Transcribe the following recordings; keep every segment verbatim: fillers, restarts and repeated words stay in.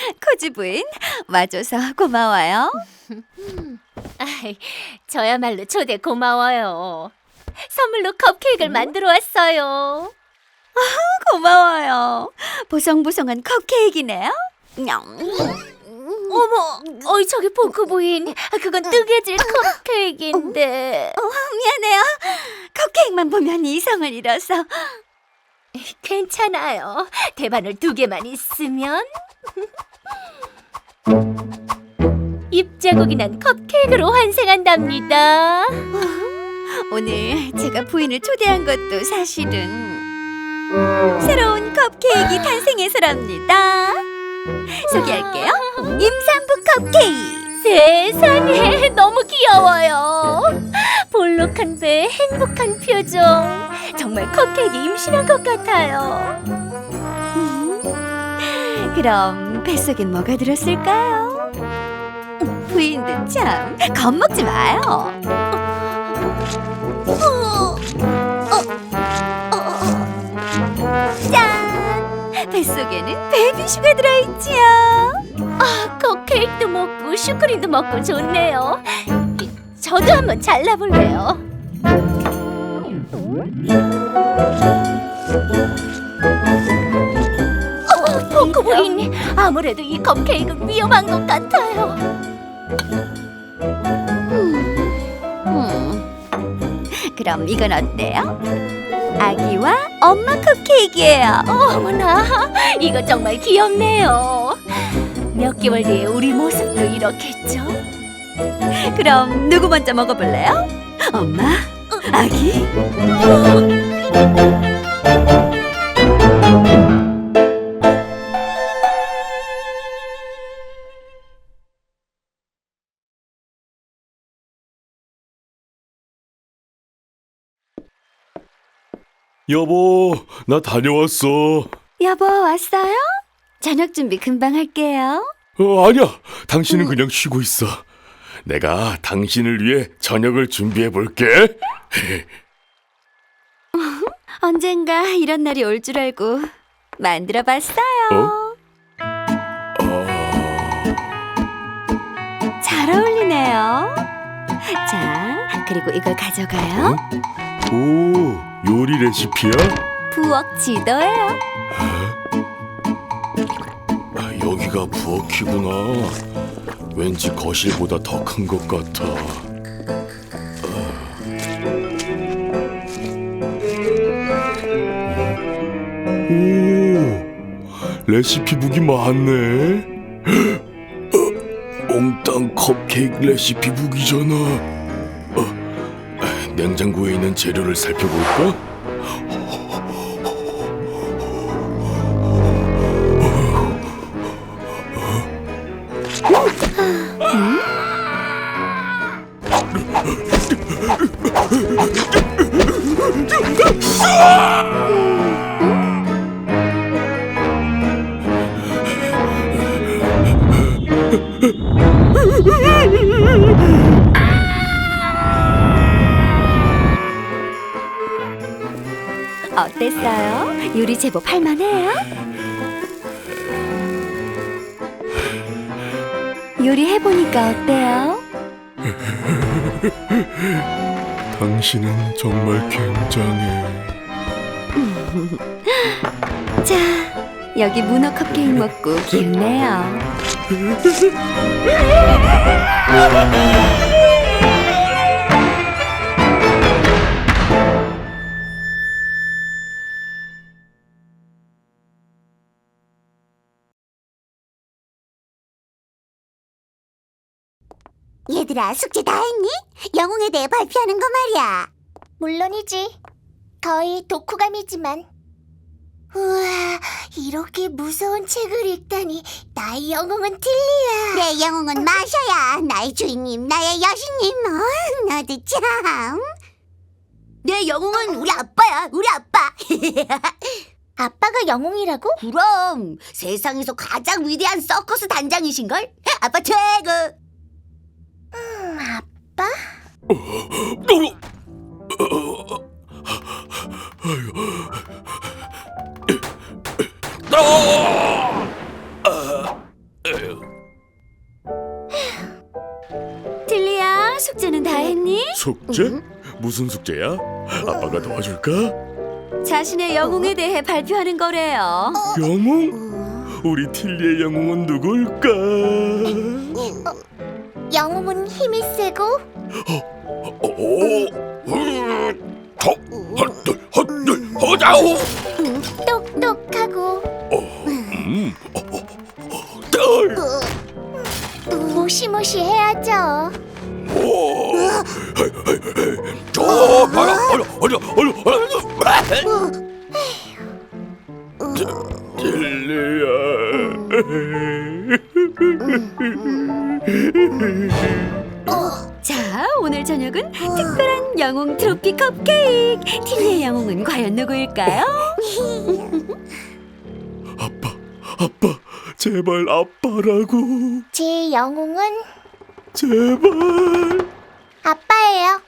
코지 부인, 와줘서 고마워요. 아이, 저야말로 초대 고마워요. 선물로 컵케이크를 만들어 왔어요. 고마워요. 보송보송한 컵케이크네요. 냠. 어머, 어이 저기 포크 부인, 그건 뜨개질 컵케이크인데. 어, 미안해요. 컵케이크만 보면 이성을 잃어서. 괜찮아요. 대바늘 두 개만 있으면. 입자국이 난 컵케이크로 환생한답니다. 오늘 제가 부인을 초대한 것도 사실은 새로운 컵케이크 탄생해서랍니다. 소개할게요. 임산부 컵케이크. 세상에, 너무 귀여워요. 볼록한 배, 행복한 표정. 정말 컵케이크 임신한 것 같아요. 그럼 뱃속엔 뭐가 들었을까요? 부인도 참 겁먹지 마요. 짠! 뱃속에는 베이비슈가 들어있지요. 아, 컵케이크도 먹고 슈크림도 먹고 좋네요. 저도 한번 잘라볼래요. 어, 포크 부인, 아무래도 이 컵케이크는 위험한 것 같아요. 음, 그럼 이건 어때요? 아기와 엄마 컵케이크예요. 어머나, 이거 정말 귀엽네요. 몇 개월 뒤에 우리 모습도 이렇겠죠? 그럼 누구 먼저 먹어볼래요? 엄마? 아기? 여보, 나 다녀왔어. 여보, 왔어요? 저녁 준비 금방 할게요. 어, 아니야, 당신은 그냥 쉬고 있어. 내가 당신을 위해 저녁을 준비해 볼게. 언젠가 이런 날이 올 줄 알고 만들어 봤어요. 어? 잘 어울리네요. 자, 그리고 이걸 가져가요. 오, 요리 레시피야? 부엌 지도예요. 아, 여기가 부엌이구나. 왠지 거실보다 더 큰 것 같아. 오, 레시피북이 많네. 어, 몽땅 컵케이크 레시피북이잖아. 어, 냉장고에 있는 재료를 살펴볼까? 어땠어요? 요리 제법 할만해요? 요리해보니까 어때요? 당신은 정말 굉장해. 자, 여기 문어 컵케이크 먹고 기운내요. 얘들아, 숙제 다 했니? 영웅에 대해 발표하는 거 말이야. 물론이지. 거의 독후감이지만. 우와, 이렇게 무서운 책을 읽다니. 나의 영웅은 틸리야. 내 영웅은 마샤야. 나의 주인님, 나의 여신님. 어, 너도 참. 내 영웅은 우리 아빠야, 우리 아빠. 아빠가 영웅이라고? 그럼 세상에서 가장 위대한 서커스 단장이신걸? 아빠 최고. 음, 아빠? 무슨 숙제야? 아빠가 도와줄까? 자신의 영웅에 대해 발표하는 거래요. 영웅? 우리 틸리의 영웅은 누굴까? 영웅은 힘이 세고 오, 더, 헛들, 헛들, 허자오. 음, 똑똑하고 음, 딸. 무시무시해야죠. 오, 저 봐라, 어려, 어려, 어려, 어려. 틸리야. 자, 오늘 저녁은 특별한 영웅 트로피 컵케이크. 틸리의 영웅은 과연 누구일까요? 아빠, 아빠, 제발 아빠라고. 제 영웅은 제발. 아빠예요.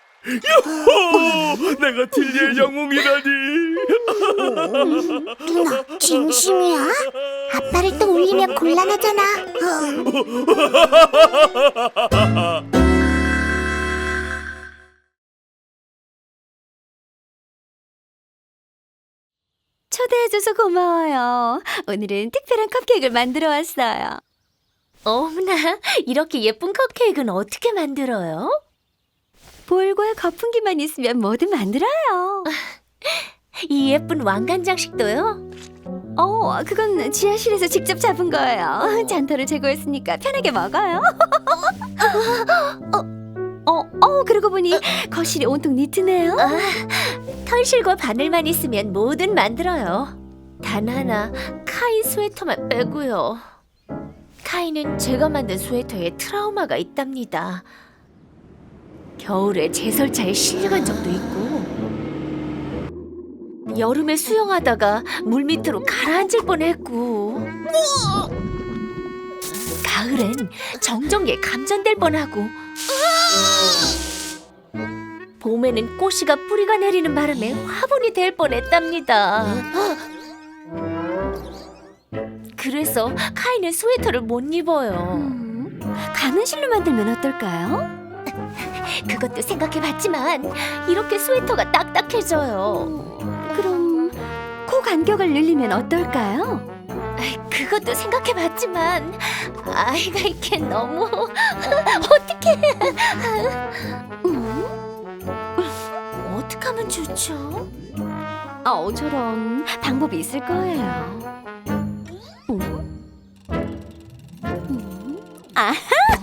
오, 내가 틸리의 영웅이라니. 누나, 진심이야? 아빠를 또 울리면 곤란하잖아. 초대해줘서 고마워요. 오늘은 특별한 컵케이크를 만들어 왔어요. 어머나, 이렇게 예쁜 컵케이크는 어떻게 만들어요? 볼과 거품기만 있으면 뭐든 만들어요. 이 예쁜 왕관 장식도요? 어, 그건 지하실에서 직접 잡은 거예요. 잔털을 제거했으니까 편하게 먹어요. 어, 어, 어, 그러고 보니 거실이 온통 니트네요. 아, 털실과 바늘만 있으면 뭐든 만들어요. 단 하나, 카이 스웨터만 빼고요. 카이는 제가 만든 스웨터에 트라우마가 있답니다. 겨울에 제설차에 실려간 적도 있고, 여름에 수영하다가 물 밑으로 가라앉을 뻔했고, 가을엔 정전기에 감전될 뻔하고, 봄에는 꽃이가 뿌리가 내리는 바람에 화분이 될 뻔했답니다. 그래서 카이는 스웨터를 못 입어요. 음, 가는 실로 만들면 어떨까요? 그것도 생각해봤지만 이렇게 스웨터가 딱딱해져요. 그럼 코 간격을 늘리면 어떨까요? 그것도 생각해봤지만 아이가 이게 너무 어떻게 음? 어떻게 하면 좋죠? 어, 저런 방법이 있을 거예요. 음? 음? 아하!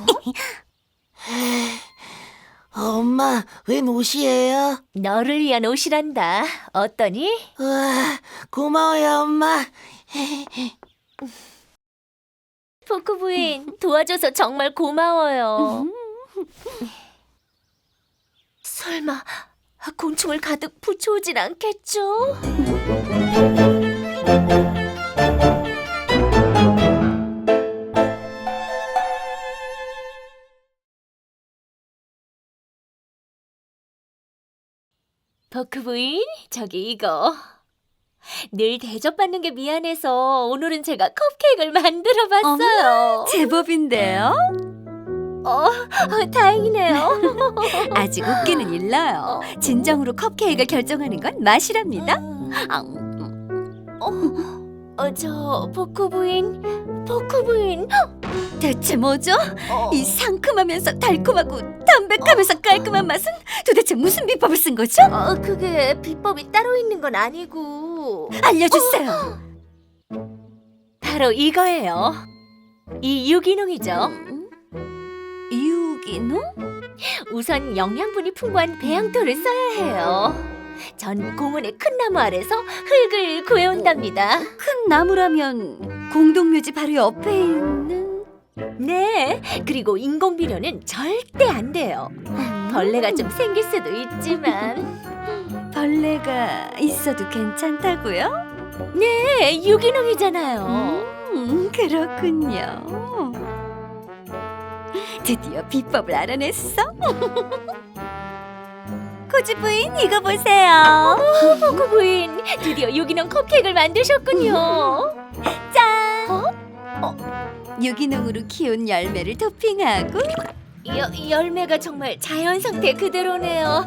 엄마, 웬 옷이에요? 너를 위한 옷이란다. 어떠니? 우와, 고마워요, 엄마. 포크 부인 도와줘서 정말 고마워요. 설마 곤충을 가득 붙여오진 않겠죠? 버크 부인, 저기 이거. 늘 대접받는 게 미안해서 오늘은 제가 컵케이크를 만들어 봤어요. 제법인데요? 어, 어, 다행이네요. 아직 웃기는 일러요. 진정으로 컵케이크를 결정하는 건 맛이랍니다. 아, 어, 어, 저 버크 부인, 버크 부인. 대체 뭐죠? 어, 이 상큼하면서 달콤하고 담백하면서 깔끔한 맛은 도대체 무슨 비법을 쓴 거죠? 어, 그게 비법이 따로 있는 건 아니고 알려주세요. 바로 이거예요. 이 유기농이죠. 유기농? 우선 영양분이 풍부한 배양토를 써야 해요. 전 공원의 큰 나무 아래서 흙을 구해온답니다. 큰 나무라면 공동묘지 바로 옆에 있는 네, 그리고 인공비료는 절대 안 돼요. 벌레가 좀 생길 수도 있지만 벌레가 있어도 괜찮다고요? 네, 유기농이잖아요. 음, 그렇군요. 드디어 비법을 알아냈어? 코지 부인, 이거 보세요. 포크 부인, 드디어 유기농 컵케이크를 만드셨군요. 짠! 유기농으로 키운 열매를 토핑하고 여, 열매가 정말 자연 상태 그대로네요.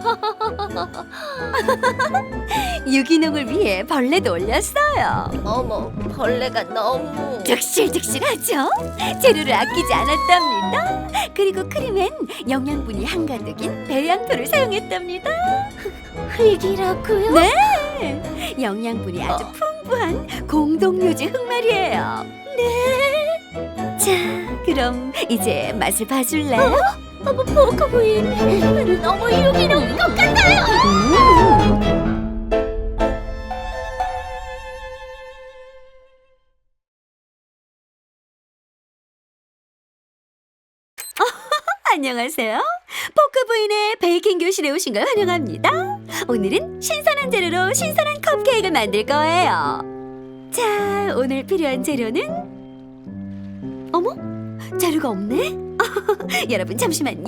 유기농을 위해 벌레도 올렸어요. 어머, 벌레가 너무... 득실득실하죠? 재료를 아끼지 않았답니다. 그리고 크림엔 영양분이 한가득인 배양토를 사용했답니다. 흙이라고요? 네, 영양분이 아주 풍부한 공동묘지 흙말이에요. 네. 자, 그럼 이제 맛을 봐줄래요? 어머, 포크 부인, 너무 유기농인 것 같아요. 음. 안녕하세요. 포크 부인의 베이킹 교실에 오신 걸 환영합니다. 오늘은 신선한 재료로 신선한 컵케이크를 만들 거예요. 자, 오늘 필요한 재료는 어머? 재료가 없네? 여러분 잠시만요.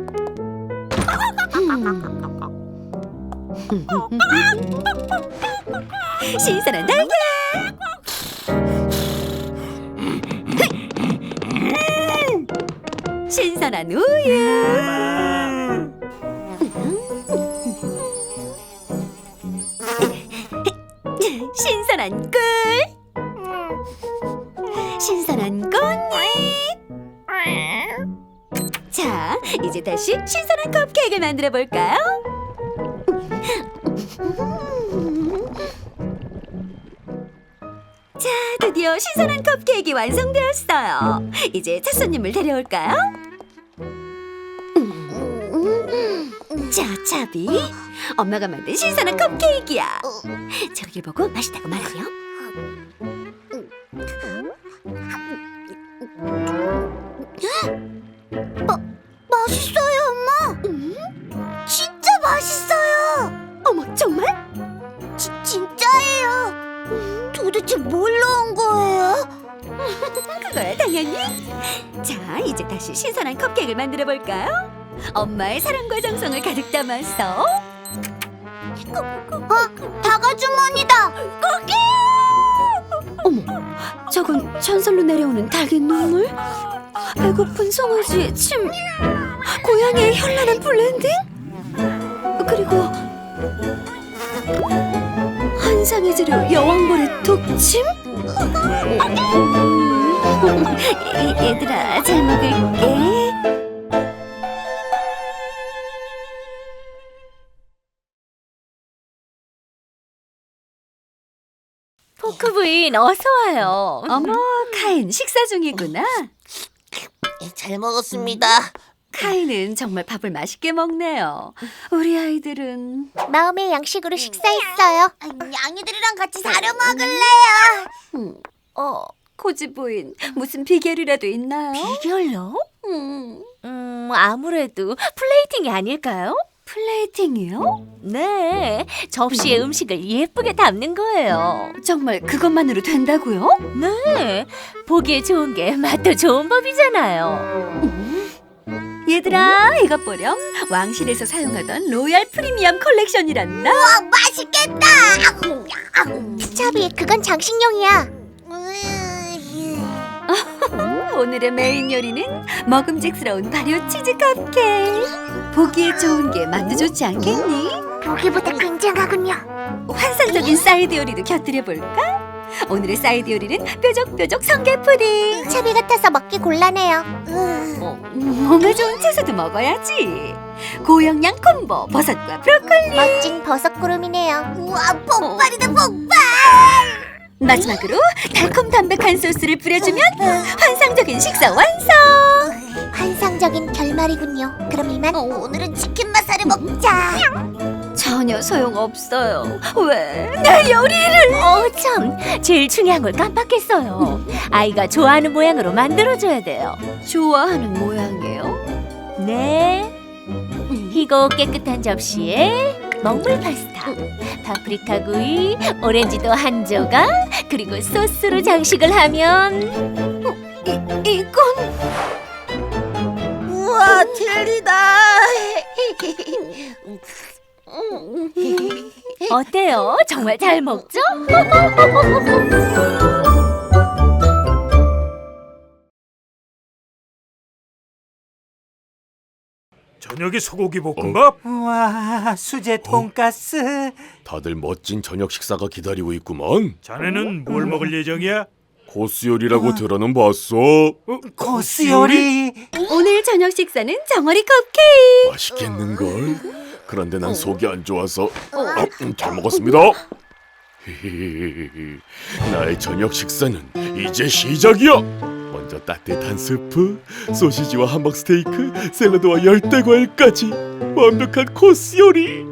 신선한 달걀, 신선한 우유, 신선한 꿀, 신선한 꽃잎. 자, 이제 다시 신선한 컵케이크를 만들어 볼까요? 자, 드디어 신선한 컵케이크 완성되었어요. 이제 첫 손님을 데려올까요? 자, 차비, 엄마가 만든 신선한 컵케이크야. 저길 보고 맛있다고 말하렴. 맛있어요, 엄마. 진짜 맛있어요. 어머, 정말? 지, 진짜예요. 도대체 뭘 넣은 거예요? 그거야 당연히. 자, 이제 다시 신선한 컵케이크를 만들어 볼까요? 엄마의 사랑과 정성을 가득 담아서. 어, 다가주머니다. 어머, 저건 전설로 내려오는 닭의 눈물? 배고픈 송아지의 침? 고양이의 현란한 블렌딩? 그리고 한상의 재료 여왕벌의 독침? 이- 얘들아, 잘 먹을게. 포크 부인, 어서 와요. 어머, 카인 식사 중이구나. 잘 먹었습니다. 카이는 정말 밥을 맛있게 먹네요. 우리 아이들은 마음의 양식으로 식사했어요. 양이들이랑 같이 사려 먹을래요. 음, 어, 코지 부인 무슨 비결이라도 있나요? 비결요? 음, 음, 아무래도 플레이팅이 아닐까요? 플레이팅이요? 네, 접시에 음식을 예쁘게 담는 거예요. 정말 그것만으로 된다고요? 네, 보기에 좋은 게 맛도 좋은 법이잖아요. 얘들아, 이것 보렴. 왕실에서 사용하던 로얄 프리미엄 컬렉션이란다. 와, 맛있겠다. 차비, 그건 장식용이야. 오늘의 메인 요리는 먹음직스러운 발효 치즈 컵케이크. 보기에 좋은 게 맛도 좋지 않겠니? 보기보다 굉장하군요. 환상적인 사이드 요리도 곁들여 볼까? 오늘의 사이드 요리는 뾰족뾰족 성게 푸딩. 차비 같아서 먹기 곤란해요. 어, 몸에 좋은 채소도 먹어야지. 고영양 콤보 버섯과 브로콜리. 멋진 버섯구름이네요. 우와, 폭발이다, 폭발! 마지막으로 달콤 담백한 소스를 뿌려주면 환상적인 식사 완성. 환상적인 결말이군요. 그럼 이만 오늘은 치킨 맛살을 먹자. 전혀 소용없어요. 왜? 내 요리를. 어, 참, 제일 중요한 걸 깜빡했어요. 아이가 좋아하는 모양으로 만들어줘야 돼요. 좋아하는 모양이에요. 네, 희고 깨끗한 접시에 먹물 파스타, 파프리카 구이, 오렌지도 한 조각, 그리고 소스로 장식을 하면 이, 이건 우와, 젤리다. 어때요? 정말 잘 먹죠? 저녁에 소고기 볶음밥? 와, 수제 돈가스. 다들 멋진 저녁 식사가 기다리고 있구먼. 자네는 뭘 먹을 예정이야? 코스 요리라고 들어는 봤어. 코스 요리. 오늘 저녁 식사는 정어리 컵케이크. 맛있겠는걸? 그런데 난 속이 안 좋아서 어, 음, 잘 먹었습니다. 히히히히. 나의 저녁 식사는 이제 시작이야. 먼저 따뜻한 스프, 소시지와 함박 스테이크, 샐러드와 열대 과일까지 완벽한 코스 요리.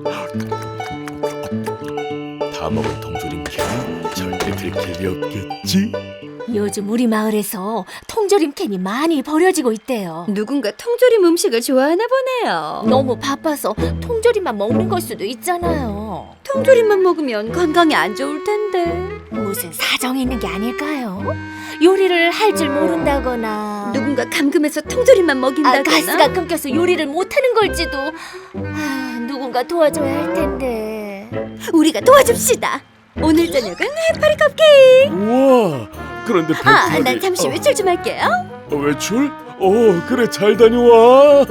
다 먹은 통조림 캔 절대 들킬 리 없겠지? 요즘 우리 마을에서 통조림 캔이 많이 버려지고 있대요. 누군가 통조림 음식을 좋아하나 보네요. 너무 바빠서 통조림만 먹는 걸 수도 있잖아요. 통조림만 먹으면 건강에 안 좋을 텐데. 무슨 사정이 있는 게 아닐까요? 요리를 할 줄 모른다거나 누군가 감금해서 통조림만 아, 먹인다거나. 가스가 끊겨서 요리를 못하는 걸지도. 아, 누군가 도와줘야 할 텐데. 우리가 도와줍시다. 오늘 저녁은 해파리 컵케이크. 우와. 그런데 아, 배탈이- 난 잠시 어, 외출 좀 할게요. 어, 외출? 어 그래 잘 다녀와.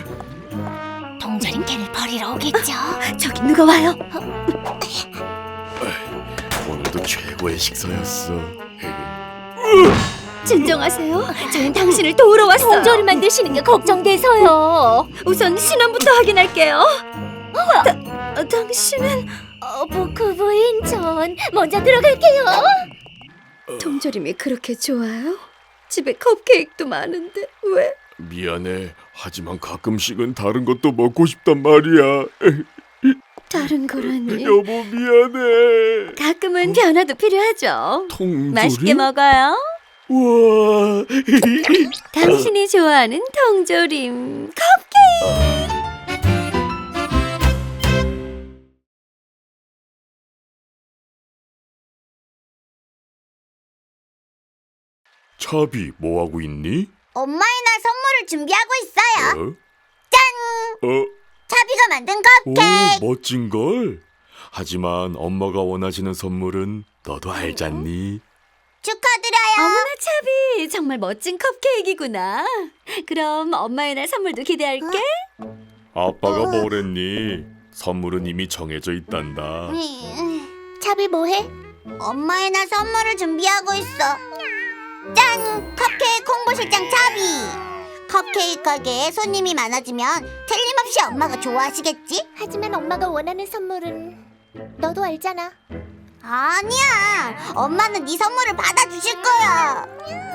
통조림 캔을 버리러 오겠죠? 저기 누가 와요? 오늘도 최고의 식사였어. 진정하세요. 저는 당신을 도우러 왔어요. 통조림만 드시는 게 걱정돼서요. 우선 신원부터 확인할게요. 다, 어, 당신은 어, 보크 부인, 전 먼저 들어갈게요. 통조림이 그렇게 좋아요? 집에 컵케이크도 많은데 왜? 미안해. 하지만 가끔씩은 다른 것도 먹고 싶단 말이야. 다른 거라니. 여보 미안해. 가끔은 변화도 필요하죠. 통조림? 맛있게 먹어요. 우와. 당신이 좋아하는 통조림 컵케이크. 차비 뭐 하고 있니? 엄마의 날 선물을 준비하고 있어요. 어? 짠! 어? 차비가 만든 오 컵케이크. 멋진 걸. 하지만 엄마가 원하시는 선물은 너도 알잖니. 축하드려요. 어머나 차비 정말 멋진 컵케이크구나. 그럼 엄마의 날 선물도 기대할게. 아빠가 뭐랬니? 선물은 이미 정해져 있단다. 음, 차비 뭐해? 엄마의 날 선물을 준비하고 있어. 짠! 컵케이크 홍보실장 차비. 컵케이크 가게에 손님이 많아지면 틀림없이 엄마가 좋아하시겠지? 하지만 엄마가 원하는 선물은 너도 알잖아. 아니야. 엄마는 네 선물을 받아주실 거야.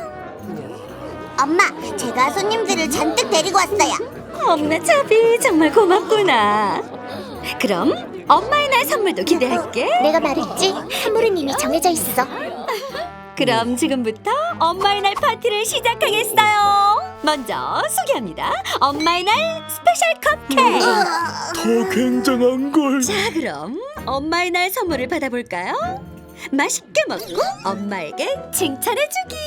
엄마, 제가 손님들을 잔뜩 데리고 왔어요. 어머나 차비 정말 고맙구나. 그럼 엄마의 날 선물도 기대할게. 내가 말했지? 선물은 이미 정해져 있어. 그럼 지금부터 엄마의 날 파티를 시작하겠어요. 먼저 소개합니다. 엄마의 날 스페셜 컵케이크. 더 굉장한 걸. 자, 그럼 엄마의 날 선물을 받아볼까요? 맛있게 먹고 엄마에게 칭찬해주기.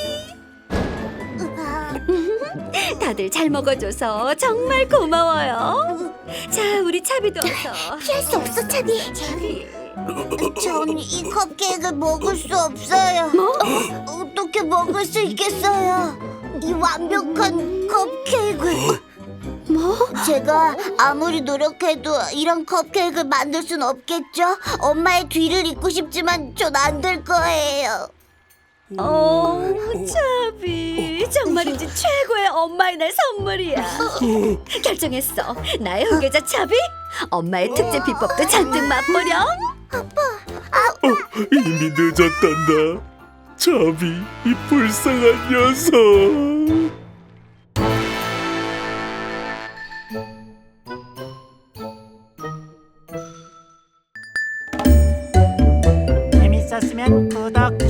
다들 잘 먹어줘서 정말 고마워요. 자, 우리 차비도 어서. 피할 수 없어, 차비. 차비. 전 이 컵케이크를 먹을 수 없어요. 뭐? 어떻게 먹을 수 있겠어요? 이 완벽한 컵케이크를. 뭐? 제가 아무리 노력해도 이런 컵케이크를 만들 순 없겠죠? 엄마의 뒤를 잇고 싶지만 전 안 될 거예요. 어, 차비 정말이지 최고의 엄마의 날 선물이야. 결정했어. 나의 후계자 차비. 엄마의 특제 비법도 잔뜩 맛보렴. 이미 늦었단다. 차비 이 불쌍한 녀석. 재밌었으면 구독,